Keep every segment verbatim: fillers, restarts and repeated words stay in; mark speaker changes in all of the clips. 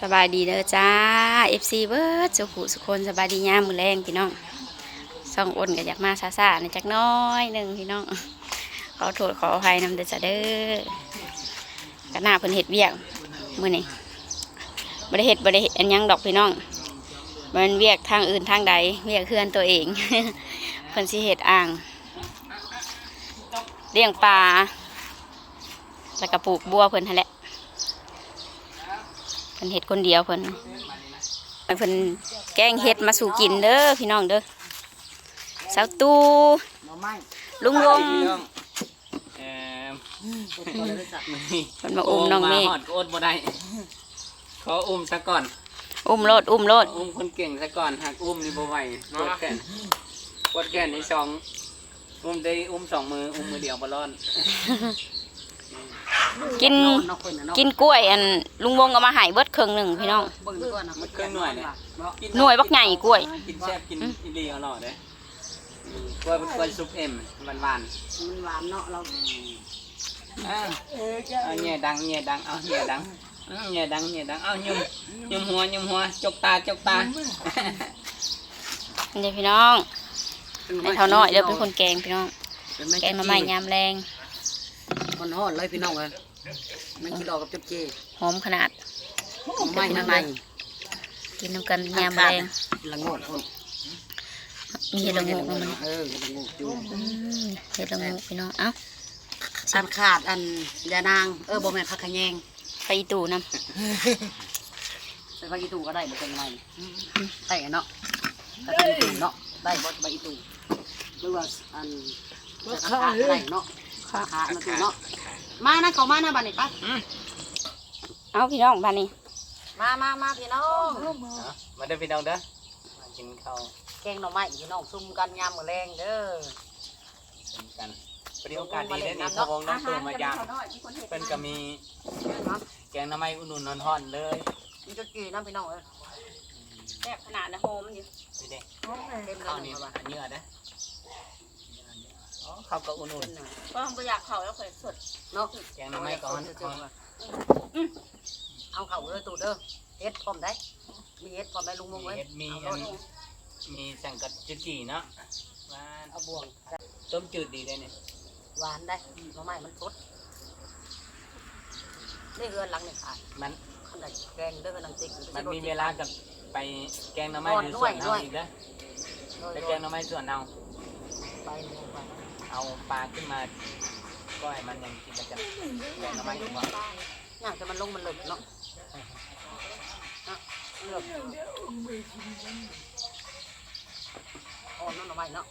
Speaker 1: สบายดีเด้อจ้า เอฟ ซี เบิร์ดสุขุสุคนสบายดีย่ามมือแรงพี่น้องส่องอ้นก็อยากมาซาซาในจักน้อยหนึ่งพี่น้องขอโทษขออภัยนำเด้อจ้าเด้อกระหน้าเพิ่นเห็ดเวียกมื้อนี้บ่ได้เห็ดบ่ได้เฮ็ดอันยังดอกพี่น้องมันเวียกทางอื่นทางใดเวียกเฮือนตัวเอง เพิ่นสิเฮ็ดอ่างเลี้ยงปลาแล้วก็ปลูกบัวเพิ่นหั่นแหละเพิ่นเฮ็ดคนเดียวเพิ่นเพิ่นแกงเฮ็ดมาสู่กินเด้อพี่น้องเด้อสาวตูลุงวง
Speaker 2: เอ่อ
Speaker 1: เพิ่นมาอุ้มน้องเมฆ
Speaker 2: หอดก็อดบ่ได้ขออุ้มซะก่อน
Speaker 1: อุ้มโลดอุ้มโลด
Speaker 2: อุ้มคนเก่งซะก่อนหากอุ้มนี่บ่ไหวปวดแขนปวดแขนในสองอุ้มได้อุ้มสองมืออุ้มมือเดียวบ่รอด
Speaker 1: กินกินกล้วยอันลุงวงเอามาให้เบิดครึ่งหนึ่งพี่น้อง
Speaker 2: มันเครื่องหน่วยเนี่ย
Speaker 1: หน่วยบักใหญ่กล้วย
Speaker 2: กินแซ่บกินอีหลีอร่อยเด้กล้วยเป็นกล้วยซุปเอ็มหวานหวาน
Speaker 3: มันหวานเนาะเรา
Speaker 2: เอาแง่ดังแง่ดังเอาแง่ดังแง่ดังแง่ดังเอายุ่มยุ่มหัวยุ่มหัวจกตาจกตา
Speaker 1: นี่พี่น้องไอ้เท่าน้อยเดี๋ยวเป็นคนแกงพี่น้องแกงมาใหม่ยามแรง
Speaker 3: คนหอดเลยพี่น้องเลยไม่กินดอกกับจุ๊บเจ
Speaker 1: หอมขนาด
Speaker 3: ไม่ทำไม
Speaker 1: กินน้ำกันยามแรง
Speaker 3: ละงดคน
Speaker 1: มีเห็ดละงูมัน
Speaker 3: เออละงดจุ๊บ
Speaker 1: เห็ดละงูพี่น้องเอ้า
Speaker 3: อันขาดอันยานางเออบ่แม่นผักขะแยง
Speaker 1: ไปตู่น้
Speaker 3: ำใส่ใบอีตู่ก็ได้บ่เป็นไรได้เนาะแต่เป็นตู่เนาะได้บ่ใบอีตู่หรือว่าอันขาดได้เนาะขาดมาตู่เนาะมานะเขามานะบ้านนี้ปะ
Speaker 1: เอาพี่น้องบ้านนี้
Speaker 3: มามามาพี่น้อง
Speaker 2: มาเด้อพี่น้องเด้อกินข้าว
Speaker 3: แกงหน่อไม้พี่น้องซุ่มกันยามมื้อแรงเด้อ
Speaker 2: กันพอดีโอกาสดีได้นี่พวงน้องตูมายามเป็นก็มีแกงหน่อไม้อุ่นๆนอนห่อนเลย
Speaker 3: มีจุดกี่น้ำพี่น้องเอ้ย
Speaker 1: แซ่บขนาดนะโฮมอยู่
Speaker 2: นี่เด้ข้าวนี่อันเยอะนะข้าวก็อุ่น
Speaker 1: ๆก็ไม่อยากเข่าแล้วเคยสด
Speaker 3: เนาะ
Speaker 2: แกงหน่อไม้ก่อน
Speaker 3: เอาเข่าเลยตูเด้อเฮ็ดพร้อมได้มีเฮ็ดพร้อมได้ลุงมงไว้
Speaker 2: มีมีสังกัดจืดจีเนาะหวานเอาบวงต้มจืดดีได้เนี่ย
Speaker 3: หวานได้หน่อไม้มันสดนี่เรือนหลังนี่ค่ะ
Speaker 2: มัน
Speaker 3: ขนาดแกงเด้อนังติ๊ก
Speaker 2: มันมีเวลากับไปแกงหน่อไม้หรือส่วนเอาอีกนะไปแกงหน่อไม้ส่วนเอา
Speaker 3: ไป
Speaker 2: เอาปลาขึ้นมาก้อยมันยังกินกันแกงหน่อไม้ดีกว่า
Speaker 3: อย่างจะมันลงมันหลึกเนาะเลือกอ่อนนั่นหน่อไม้เนาะ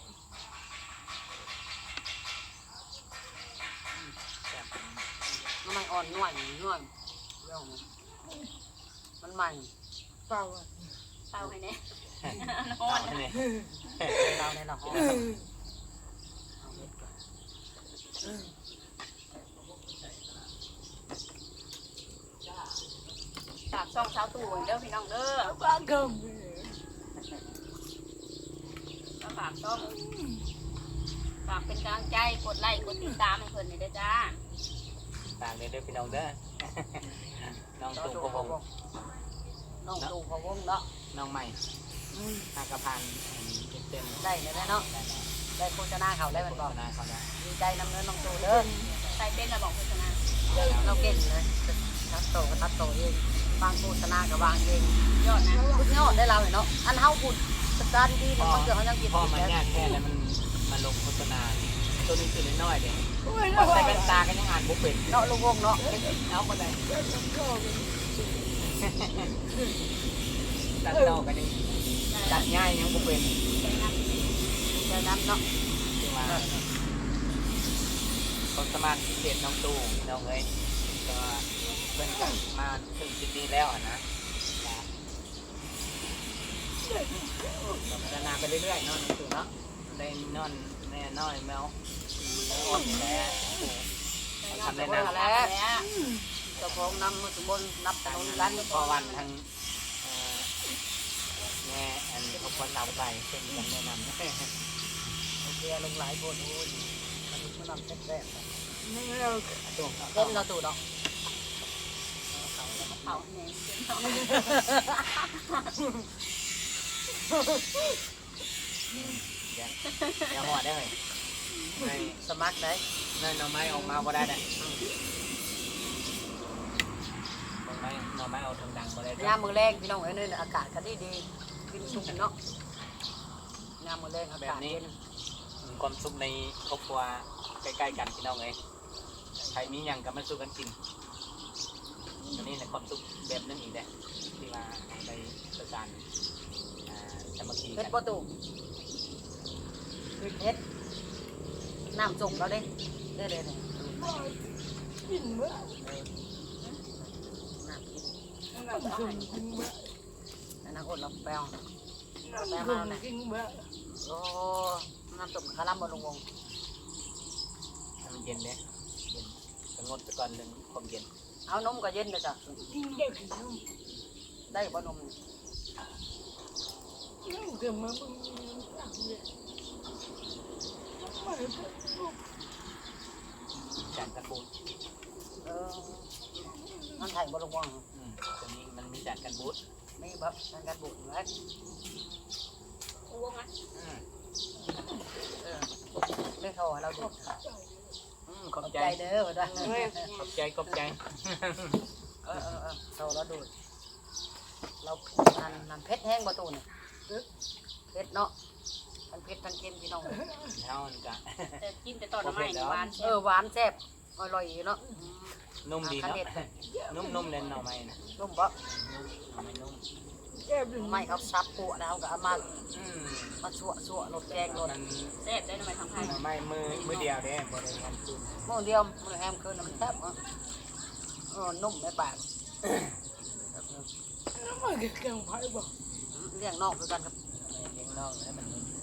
Speaker 3: หน่อไม้อ่อนน่วยน่วยเรื่องมันใหม่
Speaker 1: เปล่าเปล่าไงเนี่ย
Speaker 2: ร้อนเนี่ย
Speaker 3: เราเนี่ยเรา
Speaker 1: ฝากช่องเช้าตู่เด้อพี่น้องเด้อฝากกมฝากช่องฝากเป็นกำลังใจกดไลค์กดติดตามให้เพื่อนเลยเด้อจ้า
Speaker 2: ฝากเลยเด้อพี่น้องเด้อน้องตู่พวง
Speaker 3: น้องตู่พวงเนาะ
Speaker 2: น้องใหม่หากระพันเต็ม
Speaker 3: ได้เลยเนาะได้โฆษณาเขาได้มันบอกดีใจนำเงินน้องตู่เด้อ
Speaker 1: ใส่เป็นระบอกโฆษณา
Speaker 3: เราเก่งเลยทัดโตก็ทัดโตเองบางโฆษณากับวางเอง
Speaker 1: ยอดนะ
Speaker 3: พุดยอดได้เราเนาะอันเฮาพูดสตาร์ดีเนี่ยมันเกิดเขายังกิน
Speaker 2: พ่อมันยากแค่แล้วมันมันลงโฆษณาตัวนี้คือน้อยเด็กใส่แว่นตากันยังอ่านบุ๊กเป็น
Speaker 3: เนาะลุงวงเนาะ
Speaker 2: เอาคนไหนตัดต่อกันยังตัดง่ายยังบุ๊กเป็น
Speaker 3: ใจนั้นเนาะ
Speaker 2: ความสามารถพิเศษน้องตู่น้องเอ้ยก็เพิ่นกันมาถึงจุดนี้แล้วนะพัฒนาไปเรื่อยๆเนาะน้องตู่เนาะได้นอนแน่น้อยแมวอ่อนแล้วทำได้นาน
Speaker 3: แล้วเจ้าของนำมาสมบูรณ์นับถนนร้าน
Speaker 2: พอวันทั้งแม่อันเขาคนเราไปเป็นกันแนะนำ
Speaker 3: โอเคลงหลายคนโอ้ยมันมันนำแซ่บๆ
Speaker 1: นี่เรา
Speaker 3: เล่นเราตู่ดอก
Speaker 1: เผา
Speaker 3: เขาแหน่
Speaker 2: อย่าอย่าหัวได้เลยใน
Speaker 3: สมัครได้
Speaker 2: ในหน่อไม้ออกมาบ่ได้เนี่ยหน่อไม้หน่อไม้เอาทางดังบ่ได้
Speaker 3: ยามมื้อแรงพี่น้องเอ้ยนี่อากาศก็ดีดีกินสุกเนาะยามมื้อแรงอากาศเย็น
Speaker 2: ความสุขในครอบครัวใกล้ๆกันพี่น้องเอ้ยใครมีหยังก็มาสู้กันกินอันนี้ในความสุขแบบนึงอีกเด้ที่ว่าเอาไปประสานอ่าสามัคคี
Speaker 3: เฮ็
Speaker 2: กั
Speaker 3: ด
Speaker 2: น
Speaker 3: บ่ตู่เฮ็ดน้ำส่งเราเด้เด้อเด้อกินมื้อน้ำกินน้ำส่งกินมื้อนั่นน่ะอดเราแปลวแปลมาน่ะโอ้น้ำส่งคาร่ำบ่ลงวง
Speaker 2: ให้มันเย็นเด้เย็นสงบไปก่อนเรื่องความเย็น
Speaker 3: เอานมก็เย็นเลยจ้ะได้บ่นม
Speaker 2: จานกันบูด
Speaker 3: เออมันไทยบ่ลงวง
Speaker 2: อืมตัวนี้มันมีจานกันบูด
Speaker 3: ไม่แบบมันกันบุญไว้
Speaker 1: วงอ่ะ
Speaker 2: อืม
Speaker 3: เออไม่โทรเราดู
Speaker 2: อืมข
Speaker 3: ข
Speaker 2: อ
Speaker 3: อ
Speaker 2: บบ ใจ
Speaker 3: ใจเด้อว่าได้
Speaker 2: ขอบใจขอบใจ
Speaker 3: เออเออเออโทรเราดูเรานันนันเพชรแห้งประตูเนี่ยเพชรเนาะทั้งเพชรทั้งเค็มพี่น้อง
Speaker 2: เท่านั้นกะ
Speaker 1: แต่กินแต่ตอนละไม้นี่หวาน
Speaker 3: เออหวานแซ่บอร่อยเนาะ
Speaker 2: นุ่มดีเนาะนุ่มนุ่มเล่นหน่อไม้นะ
Speaker 3: นุ่มปะ
Speaker 2: หน่อไม้นุ่ม
Speaker 3: ไม่เขาซับปัวแล้วก็เอามา
Speaker 2: อืม
Speaker 3: มาชั่วชั่วรสแกงรส
Speaker 2: มัน
Speaker 1: แซ่บได้ทำไมทางไทย
Speaker 2: หน่อไม้มือมือเดียวเด้บ่ได้ทำซุ่ม
Speaker 3: โม่เดียวมันแฮมคืนน้ำแซ่บเนาะเออนุ่มไม่ปากเลี้ยงนอกคือกันครับ
Speaker 2: เลี้ยงน้องให้มันนุ่ม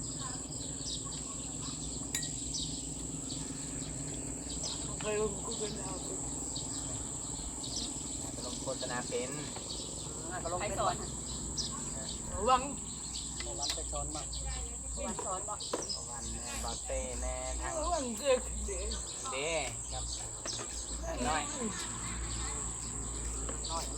Speaker 2: ลงโฆษณาเป็น
Speaker 3: น่าก็ลง
Speaker 1: ใคร
Speaker 3: เป็น
Speaker 1: สอ
Speaker 3: วัน น
Speaker 4: วัง
Speaker 3: วันไปสอนบ้าง
Speaker 1: วันสอนบอก
Speaker 2: วันแน่บอเต้แน่ทาง
Speaker 4: วังเกิด
Speaker 2: เด้ครับน้อย
Speaker 3: น้อย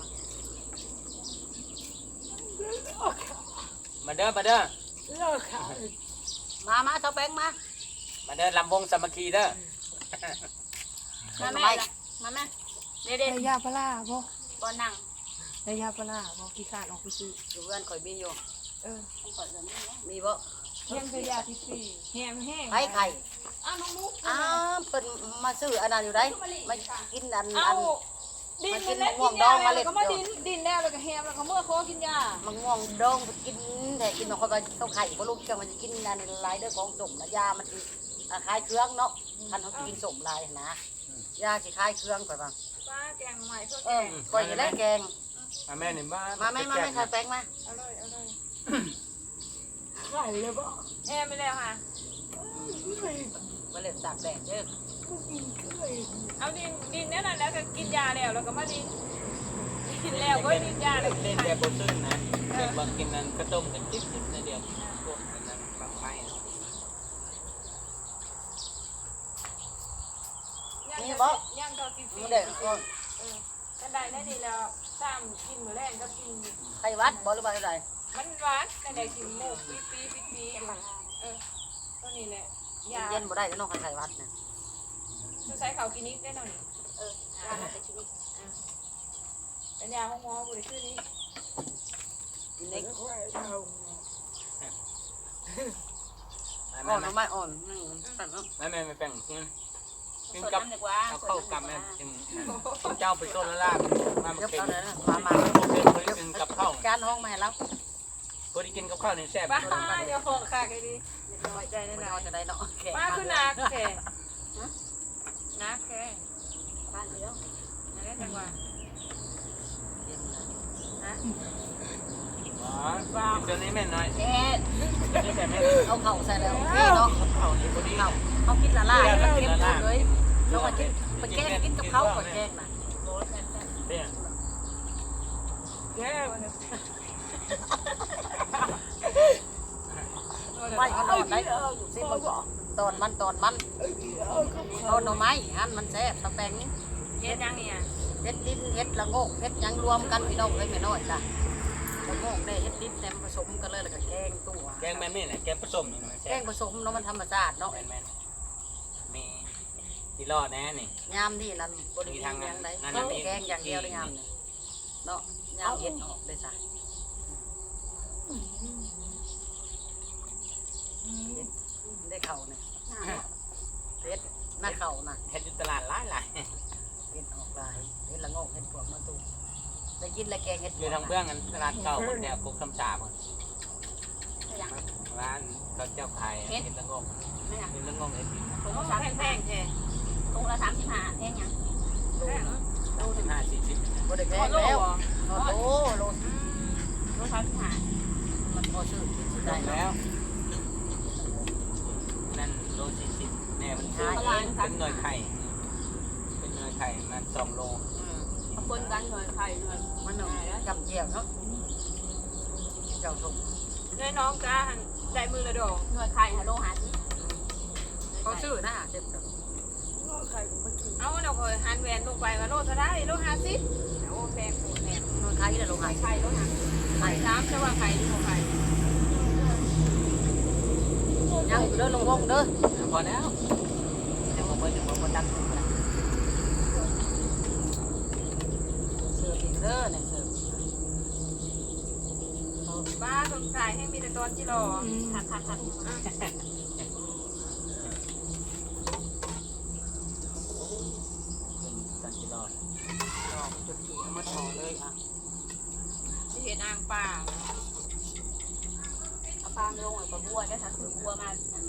Speaker 2: มาเด้อมาเด้อ
Speaker 4: เลิกขาย
Speaker 3: มามาเสาแป้งมา
Speaker 2: มาเด้อลำวงสามัคคีเด้อ
Speaker 1: มาแม่ละมาแม่เด็ด
Speaker 4: ได้ยาปลาบ่
Speaker 1: ๆบอนั่ง
Speaker 4: ได้ยาปลาบ่กี่ขาดออกไปซื้อ
Speaker 3: อยู่เพื่อนข่อยมีอยู่
Speaker 4: เออ
Speaker 3: มีบ่
Speaker 4: ยังเป็นยาที่สี่แห้งแห้ง
Speaker 3: ไข่ไข่
Speaker 4: อ้าวน้องนุ๊ก
Speaker 3: อ้าวเพิ่นมาซื้ออันนั้นอยู่ได้มากินอัน
Speaker 4: เอา
Speaker 3: อัน
Speaker 4: ดิน
Speaker 3: มากิ
Speaker 4: นั่
Speaker 3: น
Speaker 4: นแหละ
Speaker 3: ม่ว
Speaker 4: กิ
Speaker 3: ง
Speaker 4: น
Speaker 3: ด
Speaker 4: ยา
Speaker 3: องมา
Speaker 4: แล้
Speaker 3: เล็
Speaker 4: ว
Speaker 3: ด
Speaker 4: ก็มา
Speaker 3: เดี
Speaker 4: ดิ
Speaker 3: ย
Speaker 4: น
Speaker 3: ว
Speaker 4: ดินแล้วแล้วก็แฮมแล้วก็เมื่อเขากินยา
Speaker 3: มันม่วงดองกินแต่กินมันค่อยก็ต้องไข่บ่ลูกเชื่อมันจะกินอันนี้หลายเด้อของสมนะยามันสิคล้ายเครื่องเนาะคันเขากินสมหลายนะยาสิคล้ายเครื่องข่อยว่า
Speaker 4: ป้าแกงใหม่เพื่อ
Speaker 3: เออข่อยสิแลกแกง
Speaker 2: มาแม่นี่บ้าน
Speaker 3: มาไหม่มาไหม่ค่ะแป้งมา
Speaker 4: อร่อยอร่อยไข่เลยบ่แฮมไปแล้วค่ะ
Speaker 3: มาเล่นตากแดดเด้อ
Speaker 4: เอาดินดินนั่นน่ะแล้วก็กินยาแล้วแล้วก็มาดินกินแล้วก็ดินยาแล้ว
Speaker 2: เล่นแบบบนตื้นนะเด็กบางกินนั้นก็ต้มกันจิ๊บจิ๊บในเดียวพวกนั้นบางไม้
Speaker 4: ย่างเขากินฟรี
Speaker 3: มันเด็กเออ
Speaker 4: กันได้ได้ดีแล้วสามกินมื้อแรกก็กิน
Speaker 3: ไข่วัดบ่หรือว่าอะไร
Speaker 4: มันหวานแต่ได้กินหมูปีปีปีปีเออตัวนี้แหละยา
Speaker 3: เย็นบ่ได้เนาะไข่วัดนะ
Speaker 4: จะใช้เขากินนิดได้หน่อย
Speaker 1: เออยาไปกินนี่
Speaker 4: เป็นยาห้องหมอบุหรี่ชื่อนี้
Speaker 3: กินเล็ก
Speaker 2: มา
Speaker 3: อ่อน
Speaker 2: แม่
Speaker 3: ไม่อ่อนอืมสั่นเนาะ
Speaker 2: แม่แม่ไม่แป้งกินกิน
Speaker 1: สด
Speaker 2: กับ
Speaker 1: น้ำดีกว่า
Speaker 2: เอาเข้ากับแม่กินเจ้าไปต้นละลาบมามา
Speaker 3: เดี๋ยว
Speaker 2: เก่ง
Speaker 3: เอาเลยนะมามา
Speaker 2: พวกเด็กคนกินกับข้าว
Speaker 3: จานห้องมาให้เรา
Speaker 2: คนที่กินกับข้าวนี่แซ่บ
Speaker 4: ป้าเดี๋ยวหอกค่ะไอ้ดิน้อยใจ
Speaker 3: ไม่
Speaker 4: ได้
Speaker 3: เอาจะได้เนาะโอเค
Speaker 4: ป้าคือนักแค่นักแค่
Speaker 1: บ้านเดียว
Speaker 4: นั่นแหละจังหวะฮะ
Speaker 2: อ๋อกินตัวนี้แม่น้อย
Speaker 3: เอ๊ะ
Speaker 2: นี่แต่แม่
Speaker 3: เอาเข่าใส่แล้วนี่เนาะ
Speaker 2: ข้าวนี่พอดี
Speaker 3: เข่าเอากินละลายแล้วเก็บหมดเลยลงมากินไปแกงกินกับเขาก่อนแกงนะ
Speaker 2: เนี่ย
Speaker 4: แก้วเนี่ย
Speaker 3: ไม่เอานอนได้สิมันตอนมันตอนมันตอนหน่อไม้อันมันแซ่บตะแตง
Speaker 4: เย็นยังเนี่ย
Speaker 3: เเฮ็ดลิ้นเฮ็ดละโงกเฮ็ดหยังรวมกันพี่น้องเอ้ยแม่น้อยจ้ะละโงกได้เฮ็ดลิ้นแต่ผสมกันเลยแล้วก็แกงตัว
Speaker 2: แกงแม่นี่แหละแกงผสมนี่มัน
Speaker 3: แกงผสมเนาะมันธรรมชาติเนาะ
Speaker 2: แม่นๆมีที่รอดแน่นี่
Speaker 3: ยามนี่นั่นบ่ได้มีหยังไดแกงอย่างเดียวเลยยามนี่เนาะยามเฮ็ดออกได้ซะได้เข่าเนี่ยเฮ็ดหน้าเข่าน่ะ
Speaker 2: เฮ็ดอยู่ตลาดหลายหลาย
Speaker 3: เฮ็ดออกลายเฮ็ดละโงกเฮ็ดพวกมาตูได้กินละแกงเฮ็ด
Speaker 2: อยู่ทางเบื้องกันตลาดเก่าคนแถวกุกคำสาบร้านเขาเจ้าขายเห็ดละงงเห็ดละงงเห็ด
Speaker 4: ถุงละแพงๆแท้
Speaker 1: ถุงละสามสิบห้าแพงยัง
Speaker 4: แพง
Speaker 2: สามสิบห้าสี่สิบ
Speaker 3: บ่ได้แพงแล้วโอ้โหโล
Speaker 1: โลสามสิบห้า
Speaker 3: มันพอซื้อกินสิ
Speaker 2: ได้
Speaker 3: ได้
Speaker 2: แล้วนั่นโลสี่สิบแน่มันซื้อเป็นหน่วยไข่เป็นหน่วยไข่มันสองโล
Speaker 3: อืม
Speaker 1: ปนกันหน่อยไข่หน่อย
Speaker 3: มันเอาจำเจียวเนาะเจ้าชม
Speaker 4: น้อยน้องจ้าได้มือละดอก
Speaker 1: หน่วยไข่ฮะโลหาสิ
Speaker 3: เขาซื้อนะเจ็บแบบ
Speaker 4: เอาเราเคยหันแหวนลงไปว่าโลเท่าไรโลห้าสิบโอ้แพงโอ้แพง
Speaker 3: มันขายได้ลงหาย
Speaker 4: ไข่โลห้าไข่น้ำจะว่าไข่ดีกว่าไข่
Speaker 3: ยังอยู่เด้อลงวงเด้อ
Speaker 2: พอแล้วจะมาเปิดจะมาเปิดดัง
Speaker 3: เสืออีกเด้อเนี่ยเสือ
Speaker 4: บ้าสงสัยให้มีแต่ตอนที่รอ
Speaker 1: คักคักคัก
Speaker 2: ตันจิรอด
Speaker 3: ดอกจุดจีมาต่อเลยอ่ะ
Speaker 4: ที่เห็นอ่างป่า
Speaker 1: เอาปลาลงหน่อยปลาบัวได้ถ้าคือบัวมา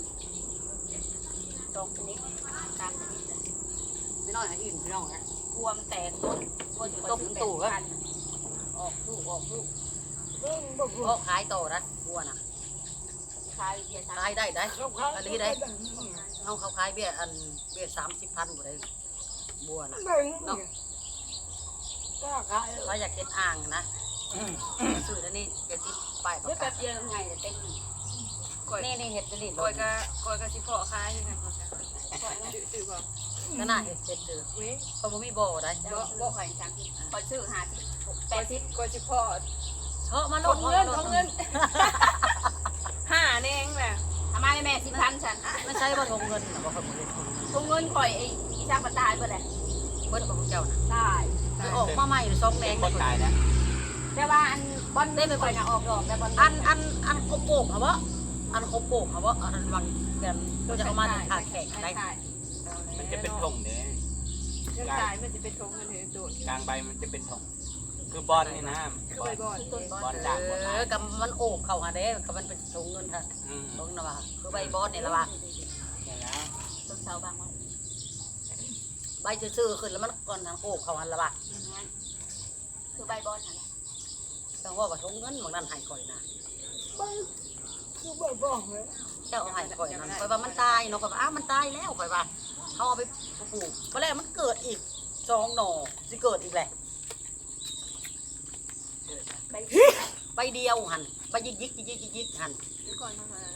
Speaker 1: ตกชนิดตามชนิด
Speaker 3: ไม่น้อยอ่ะอิ่มพี่น้องนะ
Speaker 1: บัวมันแตกต้นบัวอยู่ต้นตู่กันออกลูกออกลูก
Speaker 3: ก็ขายต่อนะบัวน่ะ
Speaker 1: ขายเบียร์สาม
Speaker 3: ขายได้ได้อันนี้ได้เอาเขาขายเบี้ยอันเบี้ยสามสิบพันบ่ได้บัวน่ะเนาะถ้าอยากเก็บอ่างนะซื้อแล้วนี่เก็บที่ป้ายประ
Speaker 1: เดี๋ยว
Speaker 3: กา
Speaker 1: แป๊
Speaker 3: ศ
Speaker 1: บเดียวไงจะเต็ม
Speaker 4: ก่อย
Speaker 3: นี่นี่เห็ดนี่
Speaker 4: ก่อยก็ก่อยก็สิเพาะขายยังไงก่อยก่อยซื้อพอ
Speaker 3: ก็น่าเห็ดเห็ดเจอ
Speaker 4: เว้ย
Speaker 3: เพราะมันมีบ่อได้
Speaker 1: บ่บ่ข่อยจังข่อยซื้อหาสิแป
Speaker 4: ก่อย
Speaker 1: ดสิ
Speaker 4: สิ
Speaker 1: บ
Speaker 4: ก่อยสิเพาะ
Speaker 3: เชาะมาโล
Speaker 4: ท
Speaker 3: ด
Speaker 4: งเงินทงเงินห้าเองแหละ
Speaker 1: ทำไมแม่สิพันฉัน
Speaker 3: ไม่ใช่ว่าทงเงินนะว่าเขาบ่ได้ทงเงิน
Speaker 1: ทุงเงินข่อยไอ้อีช่างมันตายเบิดแหละ
Speaker 3: เบิ้ลของเจ้าน่ะ
Speaker 1: ตาย
Speaker 3: คือออกมาใหม่สองแด
Speaker 2: เป็น
Speaker 3: ง
Speaker 2: คนตายแล้ว
Speaker 1: แต่ว่าอันบอลได้ไปข่อยน่ะออกดอกแต่บอล
Speaker 3: อันอันอันคมโป่งเหรอวะอันคมโป่งเหรอวะอันวางกันก็จะเอามาขาแข็งได้
Speaker 2: มันจะเป็นธงเนี่ย
Speaker 4: เรื่องตายมันจะเป็นทงเงินเห็นโดด
Speaker 2: กลางใบมันจะเป็นธงคือบอลนี่นะ
Speaker 4: คือใบบอล
Speaker 2: บอลด่างบอล
Speaker 3: เอ
Speaker 2: ลาย
Speaker 3: อกับมันโอบเข้าหาเด้กับมันเป็นทงเงินท่าน
Speaker 2: อืม
Speaker 3: ทงนะว่าคือใบบอสเนี่ยละว่า
Speaker 2: นี่นะ
Speaker 1: ต้นเสาบางวัน
Speaker 3: ใบซื่อๆขึ้นแล้วมันก่อนทางโอบเข้าหันละว่า
Speaker 1: คือใบบอลนั่นแหละ
Speaker 3: จังว่าว่าทงเงินบางนั้นหายก่อยนะ
Speaker 4: คือใบบอลเลย
Speaker 3: เจ้าเอาหายก่อยนั่นข่อยว่ามันตายเนาะข่อยว่าอ้าวมันตายแล้วข่อยว่าเขาเอาไปปลูกเพราะแล้วมันเกิดอีกสองหน่อสิเกิดอีกแหละ
Speaker 1: ใบ
Speaker 3: ใบเดียวหันใบยิกยิกยิกยิกยิกหัน
Speaker 4: นี่ก่อนทำอะไรนะ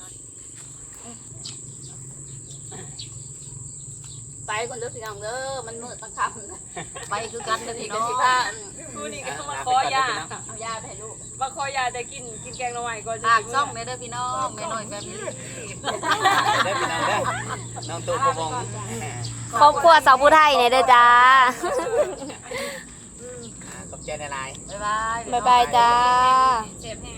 Speaker 1: ไปก่อนเด้อพี่น้องเด้อมันมืดมันค่ำ
Speaker 3: ไปคือกันเลย
Speaker 1: นี่
Speaker 3: พี่
Speaker 1: ก็
Speaker 3: น้อ
Speaker 1: สิ
Speaker 3: ง
Speaker 1: พา
Speaker 4: ดูนี่ก็มาขอยา
Speaker 1: เอายาไปให้ลูก
Speaker 4: มาขอยาแต่กินกินแกงละไม้ก่อนจะ
Speaker 3: ฝาก
Speaker 4: กิน
Speaker 3: ซ่องแม่เด้อพี่น้องแม่น้อยแฟมิลี่
Speaker 2: ได้พี่น้องได้น้องตัวกระวง
Speaker 1: ครอบครัวสาวผู้ไทยเนี่ยเด้อจ้า
Speaker 2: ขอบใจในไลน์
Speaker 3: บ๊ายบาย
Speaker 1: บ๊ายบายจ้า
Speaker 4: เจ็บแห้ง